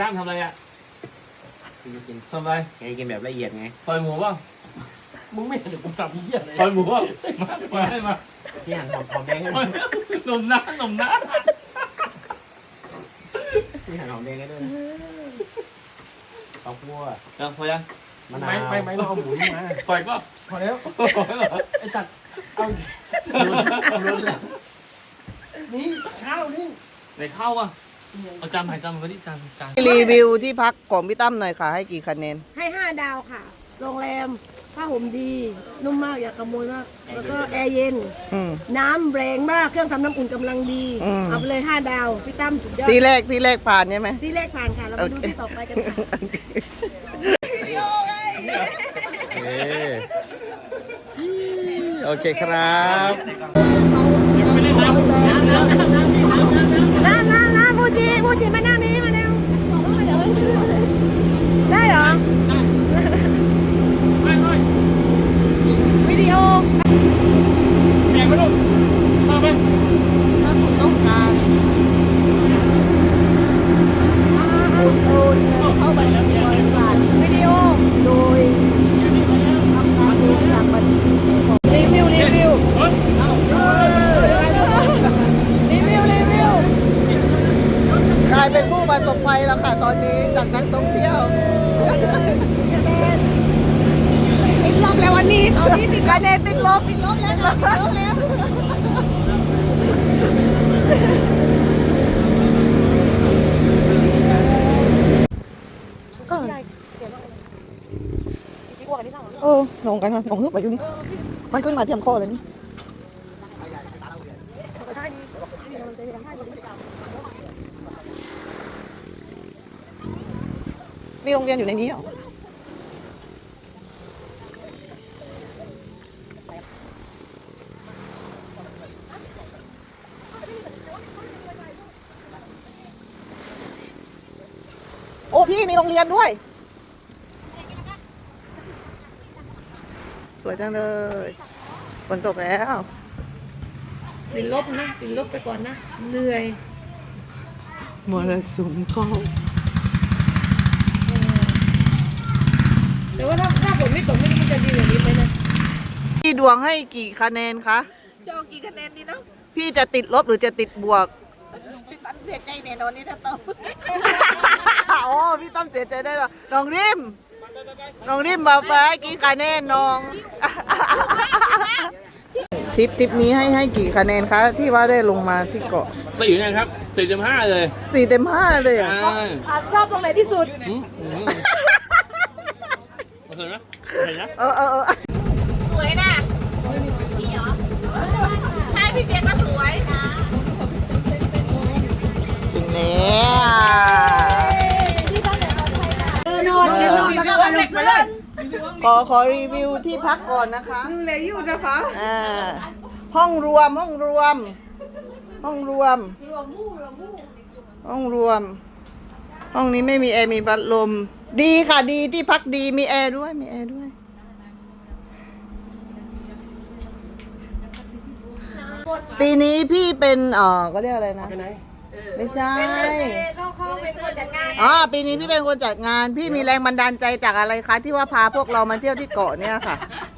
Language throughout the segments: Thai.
ตั้งทำอะไรอ่ะกินทำอะไรกินแบบละเอียดไงซอยหมูป่ะมึงไม่เห็นกูทำเหี้ยเลยซอยหมูป่ะมาให้มาพี่หั่นหอมแดงให้หนุ่มน้าพี่หั่นหอมแดงให้ด้วยข้าวคั่วพอยังมะนาวไม่เราเอาหมูนี่มาซอยก็พอแล้วไอ้จัดเอานี่ข้าวนี่ในข้าวอ่ะเอาจานไหนจานมาที่จานรีวิวที่พักของพี่ตั้มหน่อยค่ะให้กี่คะแนนให้5 ดาวค่ะ โรงแรมผ้าห่มดี นุ่มมากอย่าขโมยมาก แล้วก็แอร์เย็น น้ำแรงมาก เครื่องทำน้ำอุ่นกำลังดี เอาไปเลย5 ดาว พี่ตั้มสุดยอดที่แรกผ่านใช่ไหมที่แรกผ่านค่ะ เรามาดูที่ต่อไปกันค่ะโอเคครับน้ำพูจิมานั่งนี้มานั่งได้เหรอวิดีโอเมียงไปลูกมาไปถ้าคุณต้องการเข้าไปแล้วบริษัทวิดีโอโดยทำการดูจากบัญชีรีวิวกลายเป็นผู้ประสบภัยแล้วค่ะตอนนี้จากนักท่องเที่ยวติดลบแล้ววันนี้ตอนนี้ติดคะแนนติดลบลบแล้วค่ะติดลบแล้วก็เออลงกันค่ะลงฮึบไปอยู่นี่มันขึ้นมาเทียมคอเลยนี่มีโรงเรียนอยู่ในนี้เหรอโอ้พี่มีโรงเรียนด้วยสวยจังเลยฝนตกแล้วติดลบนะติดลบไปก่อนนะเหนื่อยมรสุมเข้าแต่ว่าถ้าฝนไม่ตกไม่รู้มันจะดีกว่านี้ไหมนะพี่ดวงให้กี่คะแนนคะจะเอากี่คะแนนดีเนาะพี่จะติดลบหรือจะติดบวกพี่ตั้มเสียใจแน่นอนนี่ถ้าตอบอ๋อพี่ตั้มเสียใจได้หรอน้องริมบอกไปกี่คะแนนน้อง ทริปนี้ให้กี่คะแนนคะที่ว่าได้ลงมาที่เกาะไปอยู่นะครับ4.5เลย 4 เต็ม 5เลยอ่ะชอบตรงไหนที่สุดโอเคไหมเห็นนะเออสวยนะพี่เหรอใช่พี่เปียกก็สวยนะจริงเนี่ยนอนแล้วก็วันเล็กมาเลยขอรีวิวที่พักก่อนนะคะดูเลยอยู่นะคะห้องรวม ห้องนี้ไม่มีแอร์มีพัดลมดีค่ะดีที่พักดีมีแอร์ด้วยปีนี้พี่เป็นก็เรียกอะไรนะไปไหนไม่ใช่เขาเป็นคนจัดงานปีนี้พี่เป็นคนจัดงานพี่มีแรงบันดาลใจจากอะไรคะที่ว่าพาพวกเรามาเที่ยวที่เกาะเนี่ยค่ะ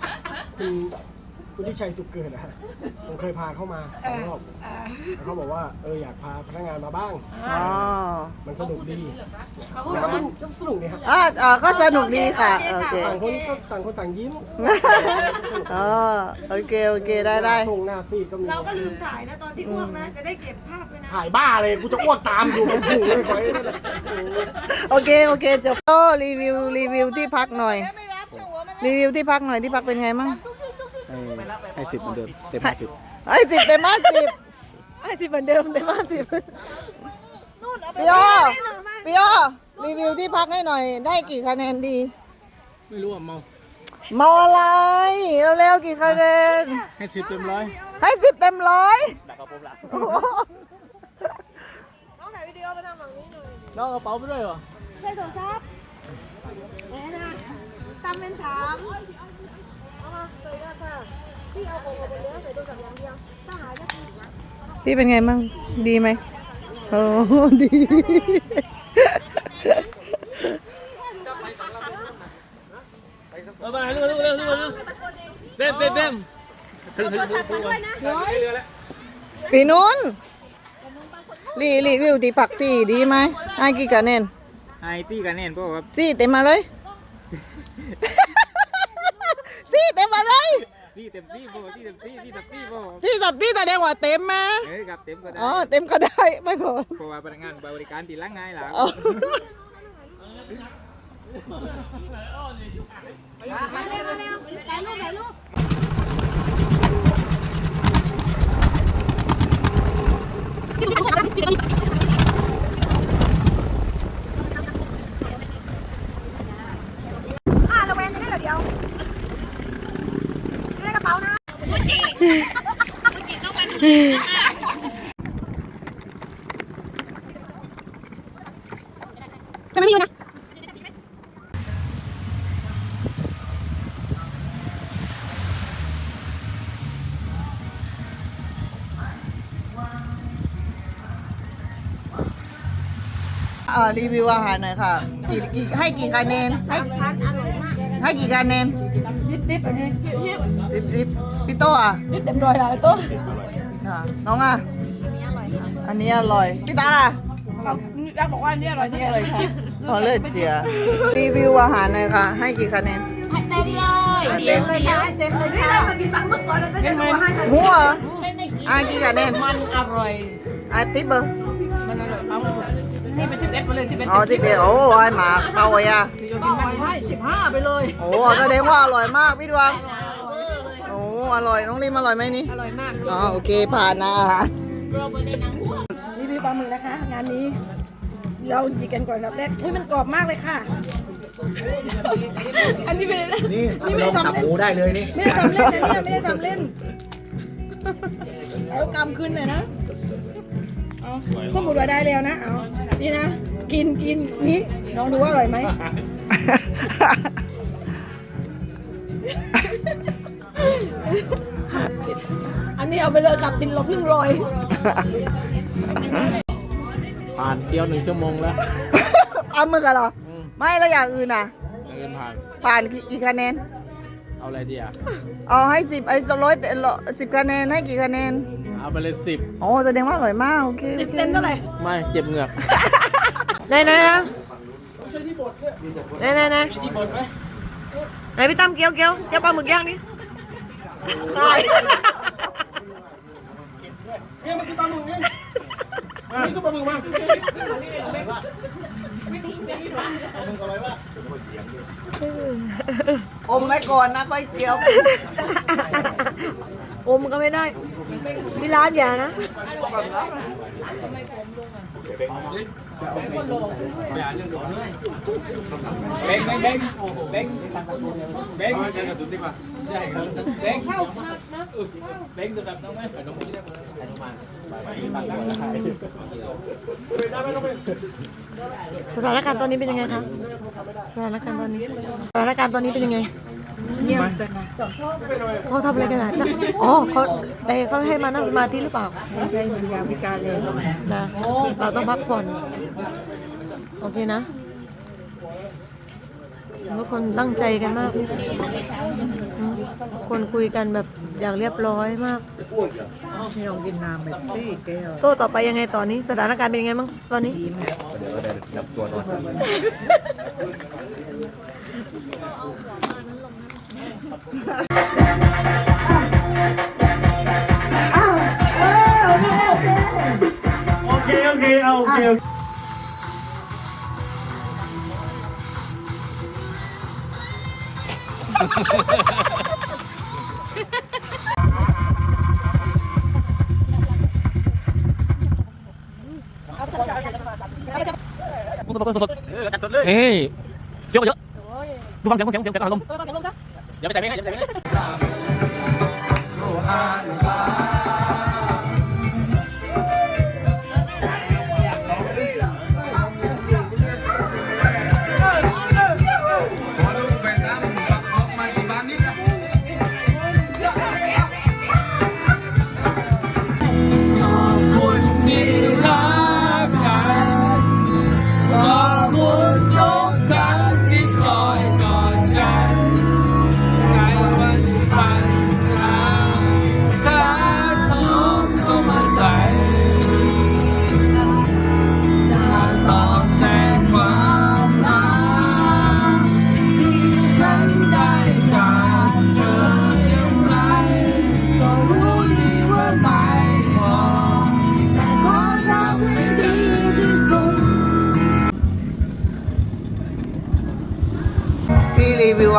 คุณที่ชัยสุขเกิดนะฮะผมเคยพาเข้ามา2 รอบแล้วเขาบอกว่าอยากพาพนักงานมาบ้าง มันสนุกดีก็สนุกดีครับก็สนุกดีค่ะโอเคต่างคนต่างยิ้มโอเคได้ทงหน้าซีดก็มีเราก็ลืมถ่ายนะตอนที่อ้วกนะจะได้เก็บภาพไว้นะถ่ายบ้าเลยกูจะอ้วกตามอยู่มันผูกเลยไว้นั่นแหละโอเคจบก็รีวิวที่พักหน่อยที่พักเป็นไงมั่งให้10เหมือนเดิมเต็ม50 ให้10 เต็ม 50 ให้สิบเหมือนเดิมแต่ว่าสิบพี่อ้อรีวิวที่พักให้หน่อยได้กี่คะแนนดีไม่รู้อ่ะเมาเมาอะไรเร็วๆกี่คะแนนให้10 เต็ม 100 ให้10 เต็ม 100 ดักกระผมละน้องถ่ายวิดีโอมาทำแบบนี้หน่อยน้องกระเป๋าไปด้วยเหรอใส่โทรศัพท์แม่นะตำเป็น3เอามาใส่ได้ค่ะพี่เอาของออกไปแล้วใส่โทรศัพท์อย่างเดียวถ้าหายก็คือพี่เป็นไงมั่งดีไหมโอ้ดีไปเร็วเบมถึงเรือแล้วปีนู้นรีวิวตีผักตีดีไหมให้กี่คะแนนไอตี้กันแน่นเพราะว่าสี่เต็มมาเลย สี่เต็มมาเลยที่เต็มที่โบที่เต็มที่ที่เต็มที่โบที่สับที่แสดงว่าเต็มมากับเต็มก็ได้อ๋อเต็มก็ได้ไม่พอเพราะว่าพนักงานบริการตีละง่ายหล่ะอ๋อมาเร็วถ่ายรูประแวงจะได้เดี๋ยวอยู่ในกระเป๋านะจะไม่อยู่นะรีวิวอาหารหน่อยค่ะให้กี่คะแนนให้กี่คะแนนจิ๊บอันนี้สิบพี่โต้อะจิ๊บเต็มร้อยแล้วตัวค่ะน้องอะอันนี้อร่อยพี่ตาอะยักบอกว่าอันนี้อร่อยที่อร่อยค่ะขอเลิศเสียรีวิวอาหารหน่อยค่ะให้กี่คะแนนเต็มเลยค่ะเต็มเลยค่ะนี่เราไปกินปังเมื่อก่อนเราจะได้รู้ว่าให้กันหมูเหรอกี่คะแนนมันอร่อยติ๊บเบอร์มันอร่อยเอานี่เป็น11ไปเลย11 อ๋อติ๊บเบอร์โอ้ให้หมาเปล่าอ่ะให้15ไปเลยโอ้แสดงว่าอร่อยมากพี่ดวงโอ้อร่อยน้องริมอร่อยไหมนี่อร่อยมากอ๋อโอเคผ่านนะอาหารรีวิวปลาหมึกนะคะ งานนี้ เราดีกันก่อนครับแรกอุ้ยมันกรอบมากเลยค่ะ อันนี้ไม่ได้นี่ไม่ได้ลองทำสับเล่หนมูได้เลยนี่ไม่ได้ทำเล่นนะเนี่ยไม่ได้ทำเล่นเอากำขึ้นหน่อยนะเอาสมมุติว่าได้แล้วนะเอานี่นะกินนี่ลองดูว่าอร่อยไหมอันนี้เอาไปเลยกับตินลบ100 ผ่านเที่ยว1 ชั่วโมงแล้วเอามือกันเหรอไม่แล้วอย่างอื่นอ่ะเงินผ่านผ่านกี่คะแนนเอาอะไรดีอ่ะเอาให้10ไอ้10คะแนนให้กี่คะแนนเอาไปเลย10 อ๋อแสดงว่าอร่อยมากโอเคเต็มเท่าไหร่ไม่เจ็บเหงือกไหนนะไหนไหนพี่ตั้มเกี๊ยวปลาหมึกย่างนี่ตายเนี่ยมันคือปลาหมึกเนี่ยนี่คือปลาหมึกมาอมไว้ก่อนนะค่อยเคี้ยวอมก็ไม่ได้ที่ร้านอย่านะเบ้งเข้านะเบ้งจะแบบน้องไหมสถานการณ์ตอนนี้เป็นยังไงคะสถานการณ์ตอนนี้เป็นยังไงเงียบเขาทำอะไรกันนะอ๋อเขาให้มานั่งสมาธิหรือเปล่าใช่มันยามพิการเลยนะเราต้องพักผ่อนโอเคนะทุกคนตั้งใจกันมากคนคุยกันแบบอย่างเรียบร้อยมากพี่ลองกินน้ำแบบซี่แก้วโต้ต่อไปยังไงตอนนี้สถานการณ์เป็นยังไงบ้างตอนนี้เดี๋ยวได้รับตัวนอนโอเคเอาโอเคเฮ้ยเสียงเยอะดูฟังเสียงอารมณ์อย่าไปใส่เพลงอย่าไปใส่เพลงคนที่รักกันขอบคุณทุกครั้งที่คอยกอดฉัน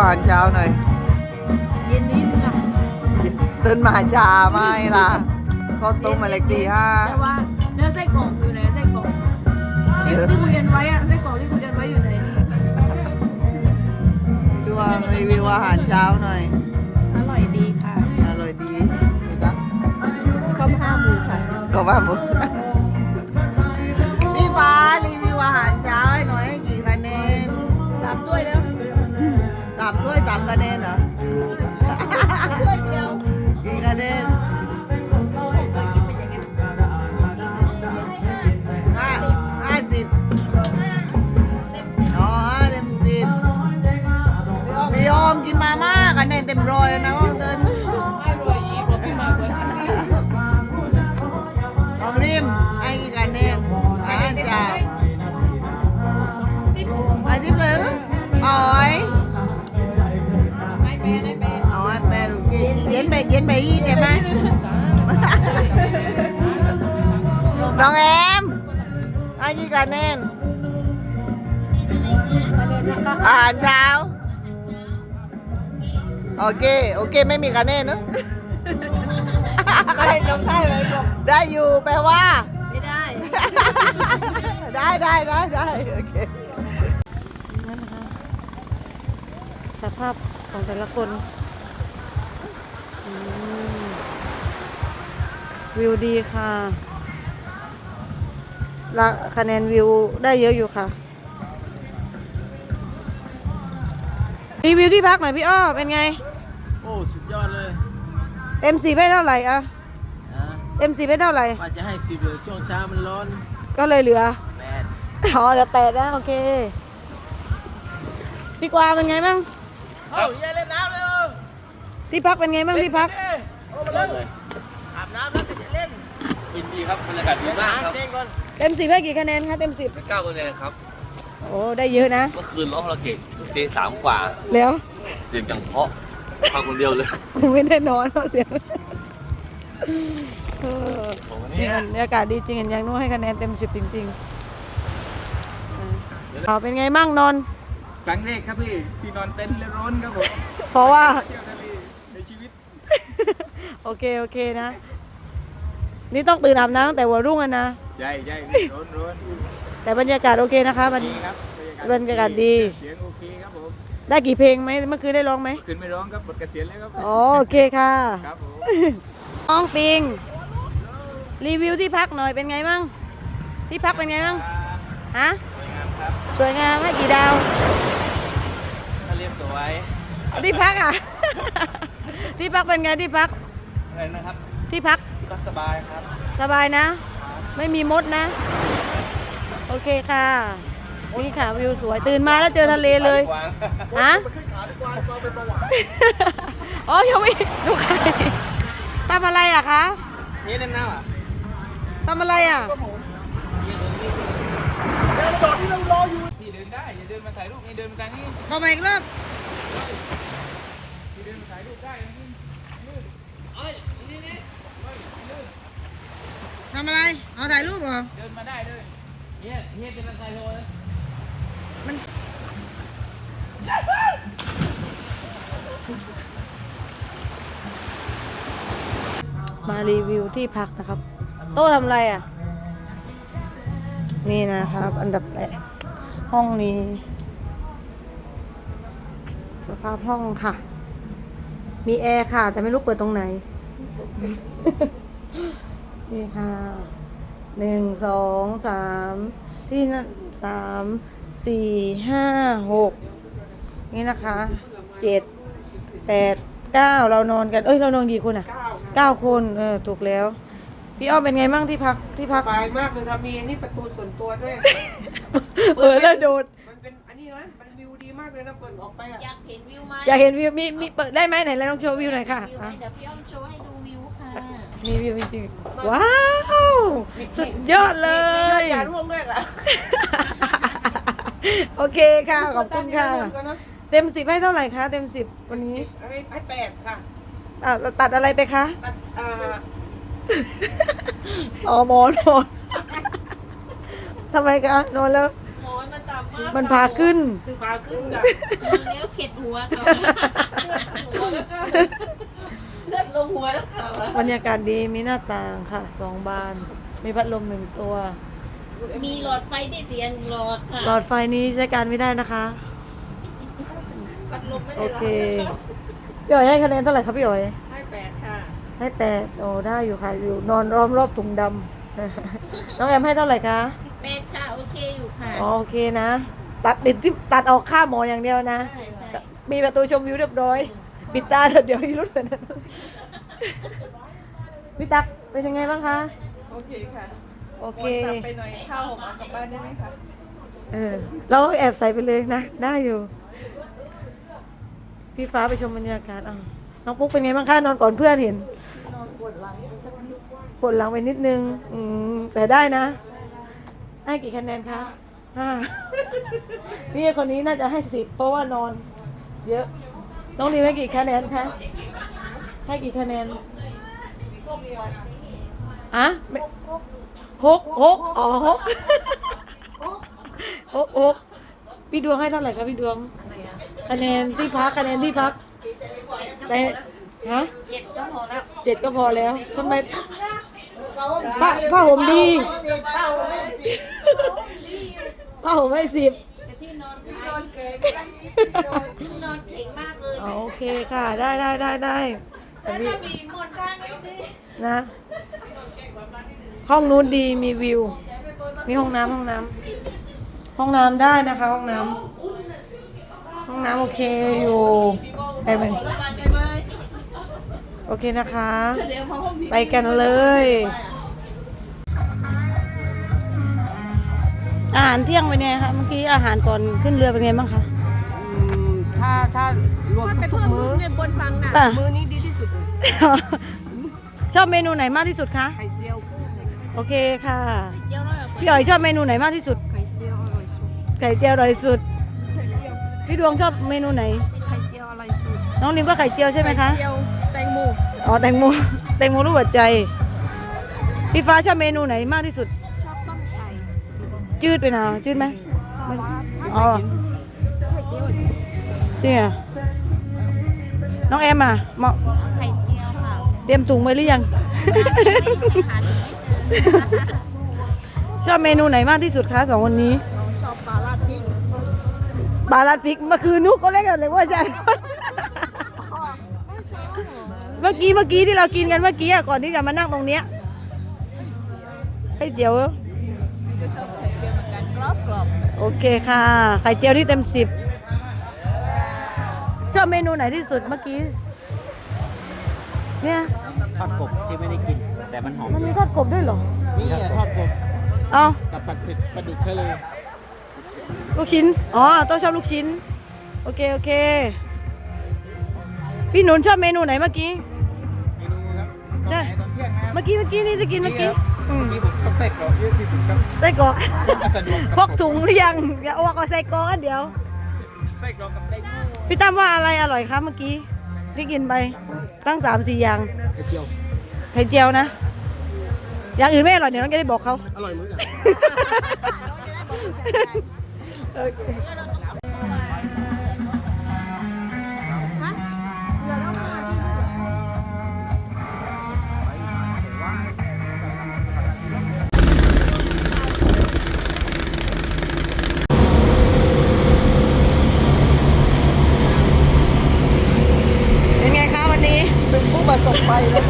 อาหารเช้าหน่อยเย็นนิดนึงอ่ะตื่นมาช้าไม่ล่ะเขาต้มมาเล็กตีห้าแต่ว่าเนื้อไส้กรอกอยู่ไหนไส้กรอกที่คุยกันไว้อะไส้กรอกที่คุยกันไว้อยู่ไหนดวงรีวิวอาหารเช้าหน่อยอร่อยดีค่ะอร่อยดีดูจ้ะข้าวผ้าหมูค่ะก็ว่าหมดพี่ฟ้ารีวิวอาหารเช้าให้หน่อยให้กี่คะแนนตามด้วยแล้ว 3 ถ้วย 3 คะแนนเหรอถ้วยเดียวกี่คะแนนเราเห็นเลยกินเป็นอย่างนี้ 50อ๋อ5 เต็ม 10พี่อมกินมาม่าคะแนนเต็มร้อยแล้วนะห้องเดินของริมให้กี่คะแนนอาหารเช้า10เลยอ๋อยเอาไอ้แปดเย็นไปยี่ใช่ไหมน้องแอมให้กี่คะแนนอาหารเช้าโอเคไม่มีคะแนนเนอะได้ลงได้เลยบอกได้อยู่แปลว่าไม่ได้ได้โอเคนั่นนะคะสภาพของแต่ละคนวิวดีค่ะและคะแนนวิวได้เยอะอยู่ค่ะรีวิวที่พักหน่อยพี่อ้อเป็นไงโอ้สุดยอดเลยเต็ม10ให้เท่าไหร่อะเต็ม10ให้เท่าไหร่ว่าจะให้10เลยช่วงเช้ามันร้อนก็เลยเหลือ 8 อ๋อเหลือ8นะโอเคพี่กวางเป็นไงบ้างเอ้าอย่าเล่นน้ำเลยที่พักเป็นไงบ้างที่พักเลยอาบน้ำแล้วจะเล่นยินดีครับบรรยากาศดีมากครับเล่นก่อนเต็ม10ให้กี่คะแนนคะเต็ม10 9 คะแนนครับโอ้ได้เยอะนะเมื่อคืนร้องคาราโอเกะตี3 กว่าแล้วเสียงจังเพราะฟังคนเดียวเลยกูไม่ได้นอนเพราะเสียงเออผมวันนี่นี้บรรยากาศดีจริงเห็นยังนู้ให้คะแนนเต็ม10จริงๆเอาเป็นไงมั่งนอนท์ครั้งแรกครับพี่ที่นอนเต็นท์และร้อนครับผมเพราะว่าเที่ยวทะเลในชีวิตโอเคนะ นี่ต้องตื่นอาบน้ำตั้งแต่หัวรุ่งอะนะใช่ร้อนแต่บรรยากาศโอเคนะคะบรรดีครับบรรยากาศดีเสียงโอเคครับผมได้กี่เพลงไหมเมื่อคืนได้ร้องไหมขึ้นไม่ร้องครับหมดเกษียณแล้วครับอ๋อโอเคค่ะครับผมน้องปิงรีวิวที่พักหน่อยเป็นไงบ้างที่พักเป็นไงบ้างฮะสวยงามให้กี่ดาวถ้าเรียบสวยที่พักอ่ะ ที่พักเป็นไงที่พักอะไรนะครับที่พักก็สบายครับสบายนะ ไม่มีมดนะ โอเคค่ะนี่ค่ะวิวสวยตื่นมาแล้วเจอทะเลเลยฮะอ๋อยังไม่ดูใครทำอะไรอ่ะคะนี่เล่นน้ำอ่ะทำอะไรอ่ะที่เดินได้อย่าเดินมาถ่ายรูปนี่เดินมาทางนี้เข้ามาอีกรอบที่เดินมาถ่ายรูปได้นะนี่ทำอะไรเอาถ่ายรูปเหรอเดินมาได้เลยเนี่ยเป็นอะไรโลนะมารีวิวที่พักนะครับ โต๊ะทำอะไรอ่ะ นี่นะครับ อันดับแรกห้องนี้ สภาพห้องค่ะ มีแอร์ค่ะ แต่ไม่รู้เปิดตรงไหน นี่ค่ะ1 2 3ที่นั่น3 4 5 6นี่นะคะ7 8 9เรานอนกันเรานอนกี่คนอ่ะ9 คนถูกแล้วพี่อ้อมเป็นไงมั่งที่พักสบายมากเลยครับมีนี่ประตูส่วนตัวด้วยเปิดแล้วโดดมันเป็นอันนี้นะมันวิวดีมากเลยนะเปิดออกไปอ่ะอยากเห็นวิวไหมอยากเห็นวิวมีเปิดได้ไหมไหนแล้วลองโชว์วิวหน่อยค่ะวิวไหมเดี๋ยวพี่อ้อมโชว์ให้ดูวิวค่ะมีวิวจริงๆว้าวสุดยอดเลยอย่าร่วงด้วยล่ะโอเคค่ะขอบคุณค่ะ เต็ม10ให้เท่าไหร่คะเต็ม10วันนี้ให้8ค่ะตัดอะไรไปคะตัดอ๋อหมอนทำไมคะนอนแล้วหมอนมันต่ำมันพาขึ้นแล้วเข็ดหัวเขาเลือดลงหัวแล้วเขาบรรยากาศดีมีหน้าต่างค่ะ2 บาน มีพัดลม1 ตัวมีหลอดไฟได้เสีย1หลอดค่ะหลอดไฟนี้ใช้การไม่ได้นะคะ โอเคพี่อ๋อยให้คะแนนเท่าไหร่ครับพี่อ๋อยให้8ค่ะให้8โอ้ได้อยู่ค่ะอยู่นอนล้อมรอบถุงดำ น้องแอมให้เท่าไหร่คะเป็ดค่ะโอเคอยู่ค่ะอ๋อโอเคนะ ตัดออกค่าหมอนอย่างเดียวนะใช่ใช่มีประตูชมวิวเรียบร้อย ปิดตาเดี๋ยวอีรุดเหมือนนั้นพี่ตักเป็นยังไงบ้างคะโอเคค่ะโอเคไปหน่อยข้าวหอมเอากลับบ้านได้ไหมคะเราแอบใส่ไปเลยนะ ได้อยู่ พี่ฟ้าไปชมบรรยากาศน้องปุ๊กเป็นไงบ้างคะนอนก่อนเพื่อนเห็นนอนปวดหลังไปสักนิดปวดหลังไปนิดนึงแต่ได้นะ ให้กี่คะแนนคะ5 นี่คนนี้น่าจะให้10เพราะว่านอน เยอะ น้องรีให้กี่คะแนนคะให้กี่คะแนนอะหกอ๋อหกพี่ดวงให้เท่าไหร่คะพี่ดวงคะแนนที่พักแต่ฮะ7 ก็พอแล้วทำไมผ้าห่มดีผ้าห่มให้10 ที่นอนเก่งนอนเก่งมากเลยโอเคค่ะได้แล้วจะมีหมดข้างเลยดินะ ห้องนู้นดีมีวิว มีห้องน้ำได้นะคะ ห้องน้ำโอเคอยู่ไปไหมโอเคนะคะ ไปกันเลย อาหารเที่ยงเป็นไงคะเมื่อกี้อาหารก่อนขึ้นเรือเป็นไงบ้างคะถ้ารวมทุกมื้อมื้อนี้ดีที่สุด ชอบเมนูไหนมากที่สุดคะไข่เจียวกุ้งโอเคค่ะพี่อ๋อยชอบเมนูไหนมากที่สุดไข่เจียวอร่อยสุดไข่เจียวอร่อยสุดพี่ดวงชอบเมนูไหนไข่เจียวอร่อยสุดน้องนิมก็ไข่เจียวใช่ไหมคะเจียวแตงโมอ๋อแตงโมรูปหัวใจพี่ฟ้าชอบเมนูไหนมากที่สุดชอบต้มไก่จืดไปหน่อยจืดไหมหวานอ๋อไข่เจียวเนี่ยน้องแอมอ่ะเหมาะไข่เจียวค่ะเตรียมถุงไว้หรือยังหาถึงไม่เจอชอบเมนูไหนมากที่สุดคะ2 วันนี้ชอบปลาราดพริกปลาลัดพริกเมื่อคืนนุ๊กก็เล่นกันเลยว่าใช่ เมื่อกี้ที่เรากินกันเมื่อกี้ก่อนที่จะมานั่งตรงเนี้ยไข่เจียวก็ชอบไข่เจียวเหมือนกันกรอบโอเคค่ะไข่เจียวที่เต็ม10ชอบเมนูไหนที่สุดเมื่อกี้เนี่ยทอดกบที่ไม่ได้กิน แต่มันหอมมันมีทอดกบด้วยเหรอนี่ทอดกบเอากับผัดเผ็ดปลาดุกทะเลลูกชิ้นต้องชอบลูกชิ้นโอเคพี่หนุนชอบเมนูไหนเมื่อกี้เมนูครับใช่ตอนเที่ยงนะครับเมื่อกี้นี่จะกินเมื่อกี้ที่ผมชอบใส่กรอกเยอะที่สุดครับไส้กรอกสะดวกพกถุงหรือยังอย่าอ้วกเอาไส้กรอกกันเดี๋ยวใส่กรอกกับไก่โม่พี่ตั้มว่าอะไรอร่อยคะเมื่อกี้ที่กินไปตั้ง3-4 อย่างไข่เจียวไข่เจียวนะ อย่างอื่นไม่อร่อยเดี๋ยวน้องจะได้บอกเขาอร่อยเหมือนกันโอเคเป็นไงคะวันนี้เป็นผู้ประสบภัยแล้ว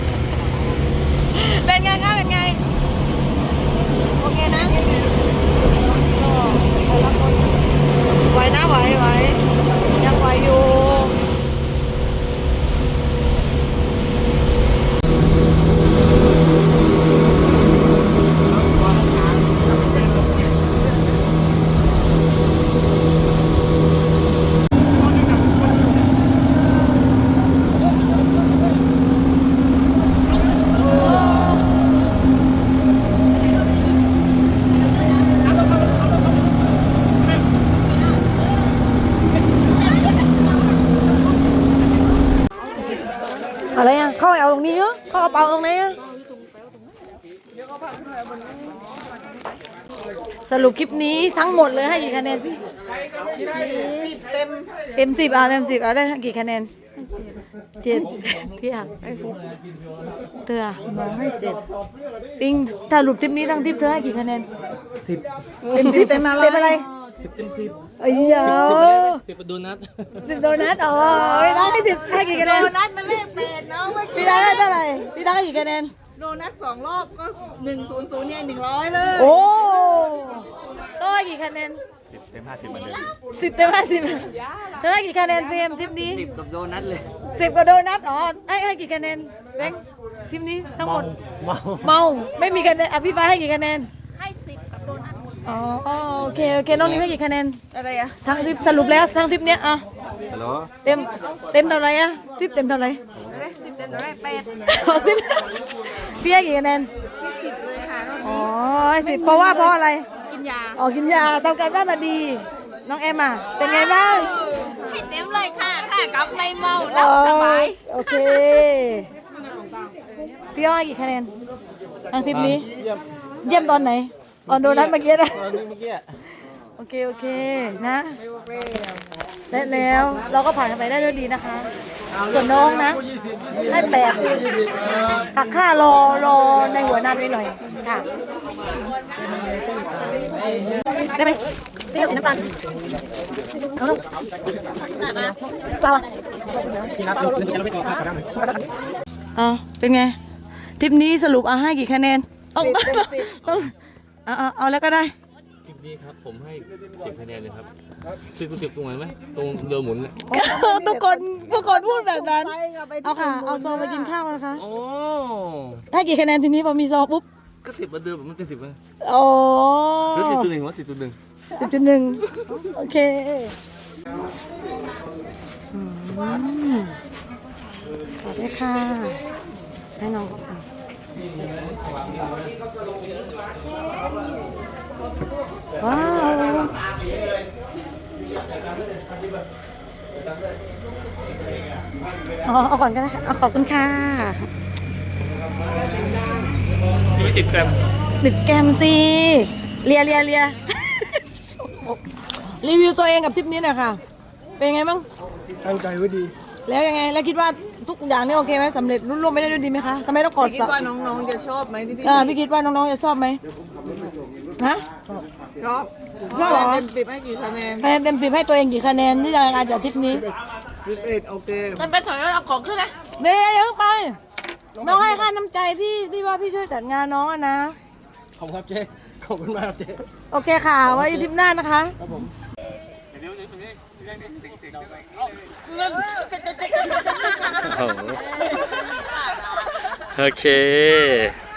เป็นไงคะเป็นไง โอเคนะไหวนะไหวยังไหวอยู่ อะไรอ่ะเขาเอาตรงนี้เหรอเขาเอาเปล่าตรงไหนอ่ะสรุปคลิปนี้ทั้งหมดเลยให้กี่คะแนนพี่เต็มเต็ม10เต็ม10ได้กี่คะแนน7พี่อ่ะเธอน้องให้7ปิงสรุปทริปนี้ทั้งทริปเธอให้กี่คะแนนเต็ม10เต็มอะไร 10 เต็ม 10 ไอ้ยา 10ประตูนัด 10โดนัทอ๋อพี่ตั้งให้10ให้กี่คะแนโดนนัทมันเลข8เนาะเมื่อพี่กี้ตั้งให้เท่าไหร่พี่ตั้งให้กี่คะแนนโดนัท2 รอบก็100เนี่ย100เลยโอ้ต้องให้กี่คะแนน 10 เต็ม 50เหมือนเดิม 10 เต็ม 50เธอให้กี่คะแนนเฟรมทริปนี้ 10 กับโดนัทเลย 10กับโดนัทอ๋อให้กี่คะแนนแบงค์ทริปนี้ทั้งหมดเมาไม่มีคะแนนพี่ฟ้าให้กี่คะแนนให้10กับโดนัทอ๋อโอเคน้องนิ้วให้กี่คะแนนอะไรอ่ะทั้งทริปสรุปแล้วทั้งทริปเนี้ยอ่ะฮัลโหลเต็มเท่าไหร่อ่ะทริปเต็มเท่าไหร่ 10เต็มเลย8 อ๋อทริปพี่ให้กี่คะแนนอ๋อ10เพราะอะไรกินยาอ๋อกินยาทำการบ้านมาดี น้องแอมอ่ะเป็นไงบ้างให้เต็มเลยค่ะกับไม่เมาหลับสบายโอเคพี่อ้อยกี่คะแนนทางทริปนี้เยี่ยมตอนไหนตอนโดนัทเมื่อกี้นะตอนนี้เมื่อกี้โอเคนะและแล้วเราก็ผ่านไปได้ด้วยดีนะคะ ส่วนน้องนะให้8หักค่ารอในหัวหน้าด้วยหน่อยค่ะได้ไหมได้กับน้ำตาลเอาลูกเปล่าพี่นัทเราจะไม่ต่อภาพกันไหมเป็นไงทริปนี้สรุปให้กี่คะแนนเอาแล้วก็ได้คลิปนี้ครับผมให้10 คะแนนเลยครับ10ตรงไหนไหมตรงเรือหมุนเลยทุกคนพูดแบบนั้นเอาค่ะเอาซองไปกินข้าวนะคะโอ้ให้กี่คะแนนทีนี้พอมีซองปุ๊บก็10เหมือนเดิมมันเป็น10เลยโอ้หรือ10.1วะ10.1 10.1โอเคขอบคุณค่ะให้น้องว้าวเอาก่อนก็ได้ค่ะขอบคุณค่ะไม่ติดแกรมดึกแกมสิเลีย รีวิวตัวเองกับทริปนี้หน่อยค่ะ เป็นไงบ้างตั้งใจไว้ดีแล้วยังไง แล้วคิดว่าทุกอย่างนี่โอเคไหมสำเร็จรุ่ร่วงไปได้ด้วยดีไหมคะทำไมต้องกดคิดว่าน้องๆจะชอบไหมพี่พี่คิดว่าน้องๆจะชอบไหมฮะชอบชอบเหรอเต็ม10ให้กี่คะแนนคะแนนเต็ม10ให้ตัวเองกี่คะแนนที่จะการจัดทริปนี้ 11โอเคมันไปถอยแล้วเอาของขึ้นนะเดี๋ยวอย่าเพิ่งไปน้องให้ค่าน้ำใจพี่ที่ว่าพี่ช่วยจัดงานน้องอะนะขอบคุณครับเจ๊ขอบคุณมากครับเจ๊โอเคค่ะไว้ทริปหน้านะคะครับผมโอเค